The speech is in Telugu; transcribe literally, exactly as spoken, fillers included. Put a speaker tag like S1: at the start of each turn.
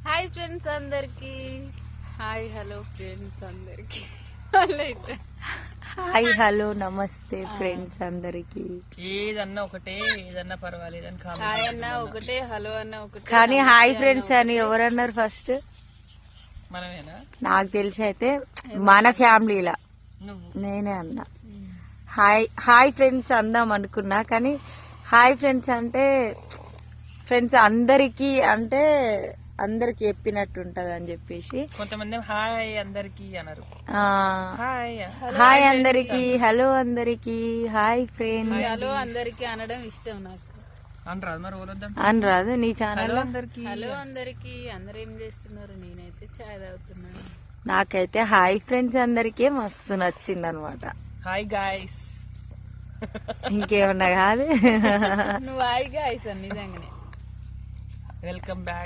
S1: హాయ్ ఫ్రెండ్స్ అందరికి, హాయ్ హలో ఫ్రెండ్స్ అందరికి,
S2: హాయ్ హలో నమస్తే ఫ్రెండ్స్ అందరికి.
S3: ఏదన్నా ఒకటే, ఏదన్నా పర్వాలేదు అని
S1: హాయ్ అన్న ఒకటే, హలో అన్న ఒకటే,
S2: కానీ హాయ్ ఫ్రెండ్స్ అని ఎవరన్నారు ఫస్ట్?
S3: మనమేనా?
S2: నాకు తెలిసి అయితే మన ఫ్యామిలీలా నేనే అన్నా. హాయ్ హాయ్ ఫ్రెండ్స్ అందాం అనుకున్నా, కానీ హాయ్ ఫ్రెండ్స్ అంటే ఫ్రెండ్స్ అందరికి అంటే అందరికి చెప్పినట్టు ఉంటది అని చెప్పేసి
S3: కొంతమంది హాయ్ అందరికి అన్నారు.
S2: హాయ్ హాయ్ అందరికి, హలో అందరికి, హాయ్ ఫ్రెండ్స్,
S1: హలో అందరికి అనడం ఇష్టం నాకు.
S3: అనరాదు మరి ఓలొద్దాం
S2: అని రాదు నీ ఛానల్.
S3: అందరికి
S1: హలో అందరికి, అందరు ఏం చేస్తున్నారు? నేనైతే చాయ్ తాగుతున్నాను.
S2: నాకైతే హాయ్ ఫ్రెండ్స్ అందరికీ మస్తు నచ్చింది అనమాట.
S3: హాయ్ గాయ్స్,
S2: ఇంకేమన్నా కాదు.
S1: నువ్వు హాయ్ గాయ్స్ అని నిజంగానే.
S3: Welcome back.